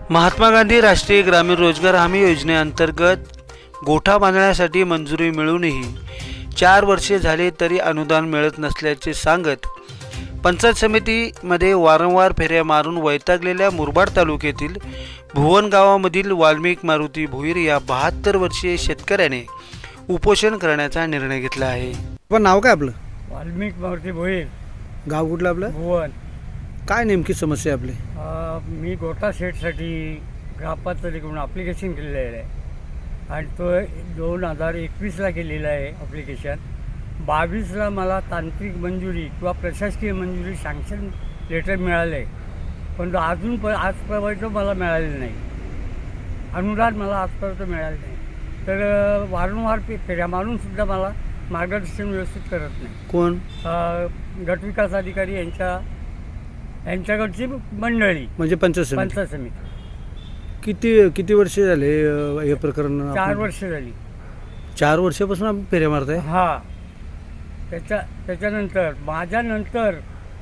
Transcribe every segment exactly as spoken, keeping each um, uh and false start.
महात्मा गांधी राष्ट्रीय ग्रामीण रोजगार हमी योजनेअंतर्गत गोठा बांधण्यासाठी मंजुरी मिळूनही चार वर्षे झाले तरी अनुदान मिळत नसल्याचे सांगत पंचायत समितीमध्ये वारंवार फेऱ्या मारून वैतागलेल्या मुरबाड तालुक्यातील भुवन गावामधील वाल्मिक मारुती भोईर या बहात्तर वर्षीय शेतकऱ्याने उपोषण करण्याचा निर्णय घेतला आहे। पण नाव काय आपलं? वाल्मिक मारुती भोईर, गाव कुठलं आपलं? भुवन। काय नेमकी समस्या आपली? मी गोठा शेडसाठी ग्रामपंचायतीकडून ॲप्लिकेशन केलेलं आहे आणि तो दोन हजार एकवीसला केलेला आहे ॲप्लिकेशन। बावीसला मला तांत्रिक मंजुरी किंवा प्रशासकीय मंजुरी सँक्शन लेटर मिळालं आहे, पण अजून पण आजपर्यंत मला मिळालेलं नाही। अनुदान मला आजपर्यंत मिळालं नाही, तर वारंवार फेऱ्या मारूनसुद्धा मला मार्गदर्शन व्यवस्थित करत नाही। कोण? गटविकास अधिकारी यांच्या यांच्याकडची मंडळी म्हणजे पंचायत समिती? पंचायत समिती। किती किती वर्ष झाले हे प्रकरण? चार वर्ष झाली। चार वर्षापासून आपण फेऱ्या मारताय? हां। त्याच्या त्याच्यानंतर माझ्यानंतर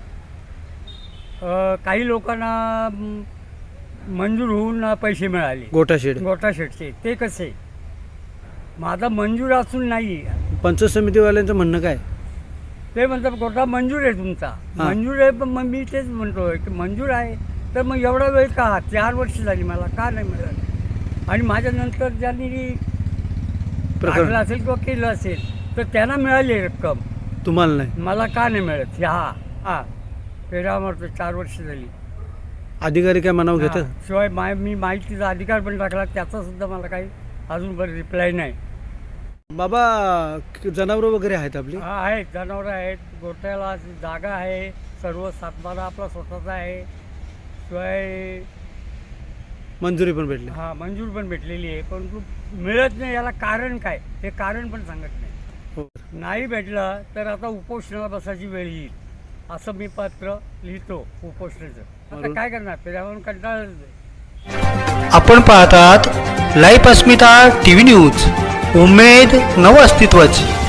काही लोकांना मंजूर होऊन पैसे मिळाले गोठा शेड गोठा शेडचे। ते कसे? माझा मंजूर असून नाही। पंचायत समितीवाल्यांचं म्हणणं काय? ते म्हणतात गोठा मंजूर आहे तुमचा, मंजूर आहे। पण मग मी तेच म्हणतोय की मंजूर आहे तर मग एवढा वेळ का? चार वर्ष झाली मला का नाही मिळालं? आणि माझ्यानंतर ज्यांनी टाकलं असेल किंवा केलं असेल तर त्यांना मिळाली रक्कम, तुम्हाला नाही? मला का नाही मिळत? हा हां फेरा मारतो, चार वर्ष झाली। अधिकारी काय मनाव घेतात? शिवाय माय मी माहितीचा अधिकार पण टाकला, त्याचा सुद्धा मला काही अजूनपर्यंत रिप्लाय नाही। बाबा जनावरं वगैरे आहेत आपली? हा आहेत, जनावरं आहेत, गोठ्याला जागा आहे, सर्व सातबारा आपला स्वतःचा आहे। शिवाय मंजुरी पण भेटली? हां मंजूर पण भेटलेली आहे, परंतु मिळत नाही। याला कारण काय हे कारण पण सांगत नाही। हो। नाही भेटलं तर आता उपोषणाला बसायची वेळ येईल असं मी पत्र लिहितो उपोषणाचं। आता काय करणार? त्याच्यावरून कंटाळा। आपण पाहतात लाईव्ह अस्मिता टीव्ही न्यूज, उमेद नव अस्तित्वाची।